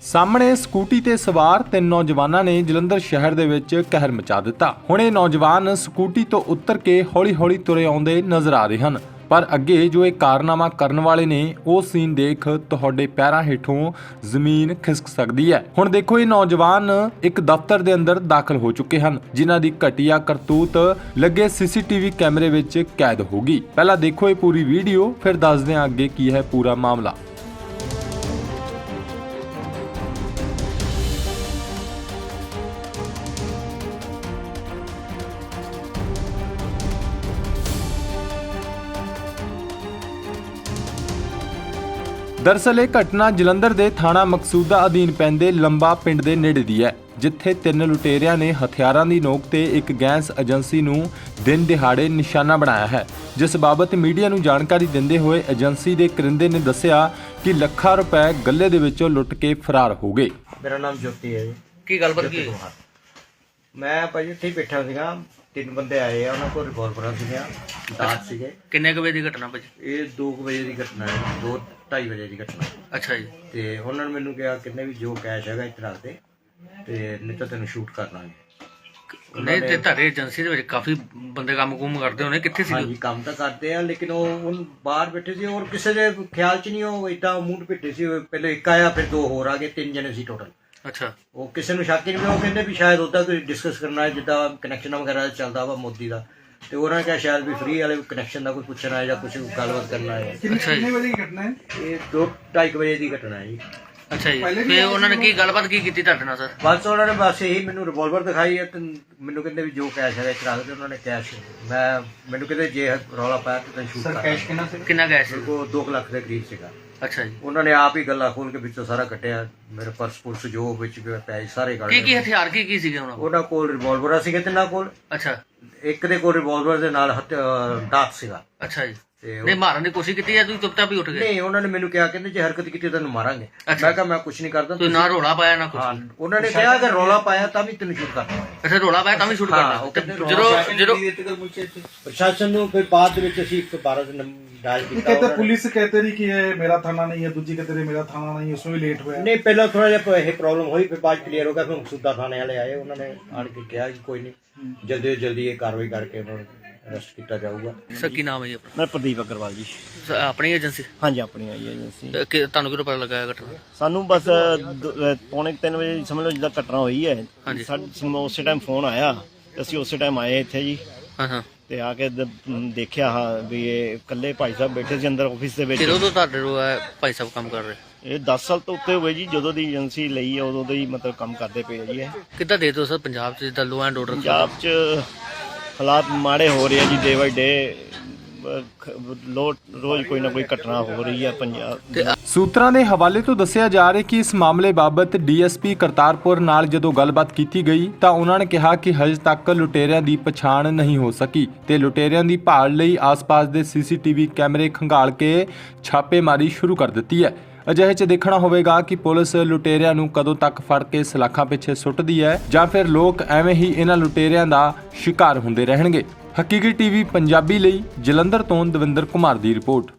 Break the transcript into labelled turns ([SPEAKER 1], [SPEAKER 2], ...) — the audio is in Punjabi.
[SPEAKER 1] ਸਾਹਮਣੇ ਸਕੂਟੀ ਤੇ ਸਵਾਰ ਤਿੰਨ ਨੌਜਵਾਨਾਂ ਨੇ ਜਲੰਧਰ ਸ਼ਹਿਰ ਦੇ ਵਿੱਚ ਕਹਿਰ ਮਚਾ ਦਿੱਤਾ। ਹੁਣ ਇਹ ਨੌਜਵਾਨ ਸਕੂਟੀ ਤੋਂ ਉਤਰ ਕੇ ਹੌਲੀ-ਹੌਲੀ ਤੁਰੇ ਆਉਂਦੇ ਨਜ਼ਰ ਆ ਰਹੇ ਹਨ, ਪਰ ਅੱਗੇ ਜੋ ਇਹ ਕਾਰਨਾਮਾ ਕਰਨ ਵਾਲੇ ਨੇ ਉਹ ਸੀਨ ਦੇਖ ਤੁਹਾਡੇ ਪੈਰਾਂ ਹੇਠੋਂ ਜ਼ਮੀਨ ਖਿਸਕ ਸਕਦੀ ਹੈ। ਹੁਣ ਦੇਖੋ, ਇਹ ਨੌਜਵਾਨ ਇੱਕ ਦਫ਼ਤਰ ਦੇ ਅੰਦਰ ਦਾਖਲ ਹੋ ਚੁੱਕੇ ਹਨ, ਜਿਨ੍ਹਾਂ ਦੀ ਘਟੀਆ ਕਰਤੂਤ ਲੱਗੇ ਸੀਸੀਟੀਵੀ ਕੈਮਰੇ ਵਿੱਚ ਕੈਦ ਹੋਗੀ। ਪਹਿਲਾਂ ਦੇਖੋ ਇਹ ਪੂਰੀ ਵੀਡੀਓ, ਫਿਰ ਦੱਸਦੇ ਹਾਂ ਅੱਗੇ ਕੀ ਹੈ ਪੂਰਾ ਮਾਮਲਾ। ਦਰਅਸਲ ਇਹ ਘਟਨਾ ਜਲੰਧਰ ਦੇ ਥਾਣਾ ਮਕਸੂਦਾ ਅਧੀਨ ਪੈਂਦੇ ਲੰਬਾ ਪਿੰਡ ਦੇ ਨੇੜੇ ਦੀ ਹੈ, ਜਿੱਥੇ ਤਿੰਨ ਲੁਟੇਰਿਆਂ ਨੇ ਹਥਿਆਰਾਂ ਦੀ ਨੋਕ ਤੇ ਇੱਕ ਗੈਸ ਏਜੰਸੀ ਨੂੰ ਦਿਨ ਦਿਹਾੜੇ ਨਿਸ਼ਾਨਾ ਬਣਾਇਆ ਹੈ। ਜਿਸ ਬਾਬਤ ਮੀਡੀਆ ਨੂੰ ਜਾਣਕਾਰੀ ਦਿੰਦੇ ਹੋਏ ਏਜੰਸੀ ਦੇ ਕਰਿੰਦੇ ਨੇ ਦੱਸਿਆ ਕਿ ਲੱਖਾਂ ਰੁਪਏ ਗੱਲੇ ਦੇ ਵਿੱਚੋਂ ਲੁੱਟ ਕੇ ਫਰਾਰ ਹੋ ਗਏ।
[SPEAKER 2] ਮੇਰਾ ਨਾਮ ਜੋਤੀ ਹੈ ਜੀ।
[SPEAKER 3] ਕੀ ਗੱਲਬਾਤ ਕੀ?
[SPEAKER 2] ਮੈਂ ਭਾਜੀ ਇੱਥੇ ਹੀ ਬੈਠਾ ਸੀਗਾ, ਤਿੰਨ ਬੰਦੇ ਆਏ ਆ, ਉਹਨਾਂ ਕੋਲ ਰਿਵਾਲਵਰਾਂ ਸੀਗੀਆਂ, ਦਾਤ ਸੀਗੇ।
[SPEAKER 3] ਕਿੰਨੇ ਕੁ ਵਜੇ ਦੀ ਘਟਨਾ ਭਾਜੀ?
[SPEAKER 2] ਇਹ 2 ਵਜੇ ਦੀ ਘਟਨਾ ਹੈ, 2-2:30 ਵਜੇ ਦੀ ਘਟਨਾ।
[SPEAKER 3] ਅੱਛਾ ਜੀ।
[SPEAKER 2] ਤੇ ਉਹਨਾਂ ਨੇ ਮੈਨੂੰ ਕਿਹਾ ਕਿੰਨੇ ਵੀ ਜੋ ਕੈਸ਼ ਹੈਗਾ ਇੱਥੇ ਰੱਖ ਦੇ, ਤੇ ਨਹੀਂ ਤਾਂ ਤੈਨੂੰ ਸ਼ੂਟ ਕਰ ਲਾਂਗੇ।
[SPEAKER 3] ਨਹੀਂ ਤੇ ਤੁਹਾਡੇ ਏਜੰਸੀ ਦੇ ਵਿੱਚ ਕਾਫੀ ਬੰਦੇ ਕੰਮ ਕਰਦੇ ਹੋਣੇ, ਕਿੱਥੇ ਸੀ?
[SPEAKER 2] ਹਾਂਜੀ, ਕੰਮ ਤਾਂ ਕਰਦੇ ਆ, ਲੇਕਿਨ ਉਹ ਹੁਣ ਬਾਹਰ ਬੈਠੇ ਸੀ, ਔਰ ਕਿਸੇ ਦੇ ਖਿਆਲ 'ਚ ਨਹੀਂ, ਉਹ ਏਦਾਂ ਮੂੰਹ ਪਿੱਟੇ ਸੀ। ਪਹਿਲੇ ਇੱਕ ਆਇਆ, ਫਿਰ 2 ਹੋਰ ਆ ਗਏ, 3 ਜਣੇ ਸੀ ਟੋਟਲ।
[SPEAKER 3] ਅੱਛਾ।
[SPEAKER 2] ਉਹ ਕਿਸੇ ਨੂੰ ਸ਼ੱਕ ਹੀ ਨਹੀਂ ਪਿਆ। ਉਹ ਕਹਿੰਦੇ ਵੀ ਸ਼ਾਇਦ ਉਹਦਾ ਕੋਈ ਡਿਸਕਸ ਕਰਨਾ ਹੈ, ਜਿੱਦਾਂ ਕਨੈਕਸ਼ਨ ਵਗੈਰਾ ਚੱਲਦਾ ਵਾ ਮੋਦੀ ਦਾ, ਤੇ ਉਹਨਾਂ ਨੇ ਕਿਹਾ ਸ਼ਾਇਦ ਵੀ ਫ੍ਰੀ ਵਾਲੇ ਕਨੈਕਸ਼ਨ ਦਾ ਕੋਈ ਪੁੱਛਣਾ ਹੈ ਜਾਂ ਕੁਝ ਗੱਲਬਾਤ ਕਰਨਾ ਹੈ।
[SPEAKER 3] ਕਿੰਨੇ
[SPEAKER 2] ਵਜੇ ਦੀ ਘਟਨਾ ਹੈ? ਇਹ 2-2:30 ਵਜੇ ਦੀ ਘਟਨਾ ਹੈ ਜੀ।
[SPEAKER 3] ਅੱਛਾ ਜੀ। ਤੇ ਉਹਨਾਂ ਨੇ ਕੀ ਗੱਲਬਾਤ ਕੀ ਕੀਤੀ ਤੁਹਾਡੇ ਨਾਲ ਸਰ?
[SPEAKER 2] ਬਸ ਉਹਨਾਂ ਨੇ ਬਸ ਇਹੀ ਮੈਨੂੰ ਰਿਵਾਲਵਰ ਦਿਖਾਈ ਹੈ, ਤੇ ਮੈਨੂੰ ਕਹਿੰਦੇ ਵੀ ਜੋ ਕੈਸ਼ ਹੈਗਾ ਇੱਥੇ ਰੱਖ ਦੇ। ਉਹਨਾਂ ਨੇ ਕੈਸ਼ ਮੈਨੂੰ ਕਹਿੰਦੇ ਜੇ ਰੌਲਾ ਪਾਇਆ ਤੇ ਤੈਨੂੰ ਸ਼ੂਟ ਕਰ। ਕੈਸ਼
[SPEAKER 3] ਕਿੰਨਾ ਕੈਸ਼ ਸੀ?
[SPEAKER 2] ਉਹ 2 ਲੱਖ ਦੇ ਕਰੀਬ ਸੀਗਾ।
[SPEAKER 3] ਅੱਛਾ ਜੀ।
[SPEAKER 2] ਉਹਨਾਂ ਨੇ ਆਪ ਹੀ ਗੱਲਾਂ ਖੋਲ ਕੇ ਵਿੱਚੋਂ ਸਾਰਾ ਕੱਟਿਆ, ਮੇਰੇ ਪਰਸ ਪੁਰਸ ਜੋ ਵਿੱਚ ਪੈਸੇ ਸਾਰੇ ਕੱਢ ਲਏ।
[SPEAKER 3] ਕੀ ਹਥਿਆਰ ਕੀ ਸੀਗੇ ਉਹਨਾਂ ਕੋਲ?
[SPEAKER 2] ਉਹਨਾਂ ਕੋਲ ਰਿਵਾਲਵਰਾਂ ਸੀਗੇ ਤਿੰਨਾਂ ਕੋਲ।
[SPEAKER 3] ਅੱਛਾ।
[SPEAKER 2] ਇੱਕ ਦੇ ਕੋਲ ਰਿਵਾਲਵਰ ਦੇ ਨਾਲ ਦਾਤ ਸੀਗਾ।
[SPEAKER 3] ਅੱਛਾ ਜੀ। ਨਹੀਂ ਮਾਰਨ ਦੀ ਕੋਸ਼ਿਸ਼ ਕੀਤੀ ਜਾਂ ਤੁਸੀਂ ਚੁੱਪਚਾਪ ਹੀ ਉੱਠ ਗਏ?
[SPEAKER 2] ਨਹੀਂ, ਉਹਨਾਂ ਨੇ ਮੈਨੂੰ ਕਿਹਾ, ਕਹਿੰਦੇ ਜੇ ਹਰਕਤ ਕੀਤੀ ਤੈਨੂੰ ਮਾਰਾਂਗੇ। ਮੈਂ ਕਿਹਾ ਮੈਂ ਕੁਝ ਨਹੀਂ ਕਰਦਾ।
[SPEAKER 3] ਤੁਸੀਂ ਨਾ ਰੋਲਾ ਪਾਇਆ ਨਾ ਕੁਝ?
[SPEAKER 2] ਉਹਨਾਂ ਨੇ ਕਿਹਾ ਕਿ ਰੌਲਾ ਪਾਇਆ ਤਾਂ ਵੀ ਤੈਨੂੰ ਸ਼ੂਟ ਕਰਨਾ।
[SPEAKER 3] ਅੱਛਾ, ਰੋਲਾ ਪਾਇਆ ਤਾਂ ਵੀ ਸ਼ੂਟ ਕਰਨਾ? ਜਦੋਂ
[SPEAKER 2] ਪ੍ਰਸ਼ਾਸਨ ਨੂੰ ਫਿਰ ਬਾਅਦ ਦੇ ਵਿੱਚ ਅਸੀਂ 112 ਦੇ ਡਾਇਲ ਕੀਤਾ।
[SPEAKER 4] कहते पुलिस कहते रही कि ये मेरा थाना नहीं है, दूजी कहते रही मेरा थाना नहीं है, उसमें भी लेट हुआ।
[SPEAKER 2] ਨਹੀਂ, ਪਹਿਲਾਂ ਥੋੜਾ ਜਿਹਾ ਇਹ ਪ੍ਰੋਬਲਮ ਹੋਈ, ਫਿਰ ਬਾਅਦ ਕਲੀਅਰ ਹੋ ਗਿਆ। ਫਿਰ ਮਕਸੂਦਾ ਥਾਣੇ ਵਾਲੇ ਆਏ, ਉਹਨਾਂ ਨੇ ਆਣ ਕੇ ਕਿਹਾ ਕਿ ਕੋਈ ਨਹੀਂ, ਜਲਦੀ ਤੋਂ ਜਲਦੀ ਇਹ ਕਾਰਵਾਈ ਕਰਕੇ ਉਹਨਾਂ ਨੂੰ ਅਰੈਸਟ ਕੀਤਾ ਜਾਊਗਾ।
[SPEAKER 3] ਸਰ ਕੀ ਨਾਮ ਹੈ ਜੀ ਆਪਣਾ?
[SPEAKER 5] ਮੈਂ ਪ੍ਰਦੀਪ ਅਗਰਵਾਲ ਜੀ।
[SPEAKER 3] ਆਪਣੀ ਏਜੰਸੀ?
[SPEAKER 5] ਹਾਂਜੀ, ਆਪਣੀ ਆਈ ਏਜੰਸੀ।
[SPEAKER 3] ਤੁਹਾਨੂੰ ਕਿਹੜਾ ਪਤਾ ਲੱਗਾ ਇਹ ਘਟਨਾ?
[SPEAKER 5] ਸਾਨੂੰ ਬਸ 2:45 ਵਜੇ ਸਮਝ ਲਓ ਜਿੱਦਾਂ ਘਟਨਾ ਹੋਈ ਹੈ, ਸਾਨੂੰ ਉਸੇ ਟਾਈਮ ਫੋਨ ਆਇਆ, ਅਸੀਂ ਉਸੇ ਟਾਈਮ ਆਏ ਇੱਥੇ ਜੀ।
[SPEAKER 3] ਹਾਂ।
[SPEAKER 5] ਤੇ ਆ ਕੇ ਦੇਖਿਆ ਵੀ ਇਹ ਇਕੱਲੇ ਭਾਈ ਸਾਹਿਬ ਬੈਠੇ ਸੀ ਅੰਦਰ ਆਫਿਸ ਦੇ ਵਿੱਚ।
[SPEAKER 3] ਕਿਦੋਂ ਤੋਂ ਤੁਹਾਡੇ ਭਾਈ ਸਾਹਿਬ ਕੰਮ ਕਰ ਰਹੇ?
[SPEAKER 5] ਇਹ 10 ਸਾਲ ਤੋਂ ਉੱਤੇ ਹੋਏ ਜੀ, ਜਦੋਂ ਦੀ ਏਜੰਸੀ ਲਈ ਹੈ ਉਦੋਂ ਦੇ ਹੀ ਮਤਲਬ ਕੰਮ ਕਰਦੇ ਪਏ ਜੀ। ਇਹ
[SPEAKER 3] ਕਿੱਦਾਂ ਦੇ ਦਿਓ ਸਰ ਪੰਜਾਬ 'ਚ ਜਿੱਦਾਂ ਲੋ ਐਂਡ ਆਰਡਰ?
[SPEAKER 5] ਪੰਜਾਬ 'ਚ ਹਾਲਾਤ ਮਾੜੇ ਹੋ ਰਹੇ ਆ ਜੀ, ਡੇ ਬਾਈ ਡੇ ਰੋਜ਼ ਕੋਈ ਨਾ ਕੋਈ ਘਟਨਾ ਹੋ ਰਹੀ ਹੈ ਪੰਜਾਬ।
[SPEAKER 1] ਸੂਤਰਾਂ ਦੇ ਹਵਾਲੇ ਤੋਂ ਦੱਸਿਆ ਜਾ ਰਿਹਾ ਕਿ ਇਸ ਮਾਮਲੇ ਬਾਬਤ ਡੀਐਸਪੀ ਕਰਤਾਰਪੁਰ ਨਾਲ ਜਦੋਂ ਗੱਲਬਾਤ ਕੀਤੀ ਗਈ ਤਾਂ ਉਹਨਾਂ ਨੇ ਕਿਹਾ ਕਿ ਹਜੇ ਤੱਕ ਲੁਟੇਰਿਆਂ ਦੀ ਪਛਾਣ ਨਹੀਂ ਹੋ ਸਕੀ ਤੇ ਲੁਟੇਰਿਆਂ ਦੀ ਭਾਲ ਲਈ ਆਸ-ਪਾਸ ਦੇ ਸੀਸੀਟੀਵੀ ਕੈਮਰੇ ਖੰਗਾਲ ਕੇ ਛਾਪੇਮਾਰੀ ਸ਼ੁਰੂ ਕਰ ਦਿੱਤੀ ਹੈ। ਅਜਿਹੇ 'ਚ ਦੇਖਣਾ ਹੋਵੇਗਾ ਕਿ ਪੁਲਿਸ ਲੁਟੇਰਿਆਂ ਨੂੰ ਕਦੋਂ ਤੱਕ ਫੜ ਕੇ ਸਲਾਖਾਂ ਪਿੱਛੇ ਸੁੱਟਦੀ ਹੈ ਜਾਂ ਫਿਰ ਲੋਕ ਐਵੇਂ ਹੀ ਇਹਨਾਂ ਲੁਟੇਰਿਆਂ ਦਾ ਸ਼ਿਕਾਰ ਹੁੰਦੇ ਰਹਿਣਗੇ। ਹਕੀਕੀ ਟੀਵੀ ਪੰਜਾਬੀ ਲਈ ਜਲੰਧਰ ਤੋਂ ਦਵਿੰਦਰ ਕੁਮਾਰ ਦੀ ਰਿਪੋਰਟ।